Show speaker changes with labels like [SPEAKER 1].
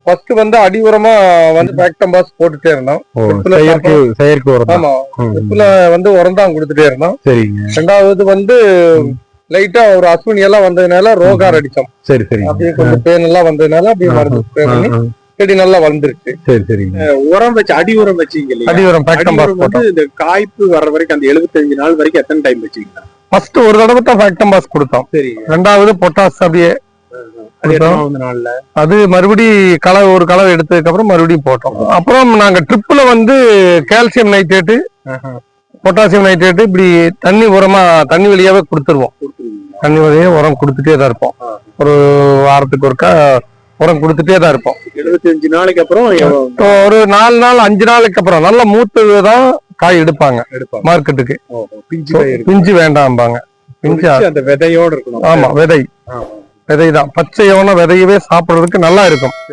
[SPEAKER 1] First வந்து அடி உரமா வந்து பேக்டம்பாஸ் போட்டுட்டே இருந்தோம்.
[SPEAKER 2] செயற்கை உரம்.
[SPEAKER 1] ஆமா, ட்ரிப்ல வந்து உரம் தான் கொடுத்துட்டே இருந்தோம்.
[SPEAKER 2] சரிங்க.
[SPEAKER 1] ரெண்டாவது வந்து லைட்டா ஒரு அஸ்வினி எல்லாம் வந்ததுனால ரோகார் அடிச்சோம்.
[SPEAKER 2] சரி சரி.
[SPEAKER 1] அப்படியே கொஞ்சம் பேன் எல்லாம் வந்ததுனால அப்படியே மருந்து ஸ்ப்ரே பண்ணி செடி நல்லா வளர்ந்துருச்சு.
[SPEAKER 2] சரி சரிங்க.
[SPEAKER 3] உரம் வச்சு அடி உரம் வச்சீங்க இல்லையா?
[SPEAKER 1] அடி உரம் பேக்டம்பாஸ்
[SPEAKER 3] வந்து இந்த காய்ப்பு வர்ற வரைக்கும் அந்த 75 நாள் வரைக்கும் எத்தனை டைம் வச்சீங்க?
[SPEAKER 1] ஃபர்ஸ்ட் ஒரு தடவை தான் பேக்டம்பாஸ் கொடுத்தோம்.
[SPEAKER 3] சரி.
[SPEAKER 1] ரெண்டாவது பொட்டாஸ் அப்படியே
[SPEAKER 3] நாள்ல
[SPEAKER 1] அது மறுபடி ஒரு களவு எடுத்ததுக்கு அப்புறம் மறுபடியும் போட்டோம். அப்புறம் நாங்க ட்ரிப்ல வந்து கால்சியம் நைட்ரேட்டு, பொட்டாசியம் நைட்ரேட்டு இப்படி தண்ணி வழியாவே கொடுத்துருவோம். தண்ணி வழியே உரம் கொடுத்துட்டே தான் இருப்போம். ஒரு வாரத்துக்கு ஒருக்கா உரம் கொடுத்துட்டே தான் இருப்போம்.
[SPEAKER 3] 75 நாளைக்கு அப்புறம்
[SPEAKER 1] ஒரு 4 நாள் 5 நாளைக்கு அப்புறம் நல்ல மூத்ததுதான் காய் எடுப்பாங்க மார்க்கெட்டுக்கு. பிஞ்சு வேண்டாம்பாங்க. பிஞ்சு
[SPEAKER 3] அந்த விதையோட இருக்கணும்.
[SPEAKER 1] ஆமா, விதை தான் பச்சையான விதையவே சாப்பிடுறதுக்கு நல்லா இருக்கும்.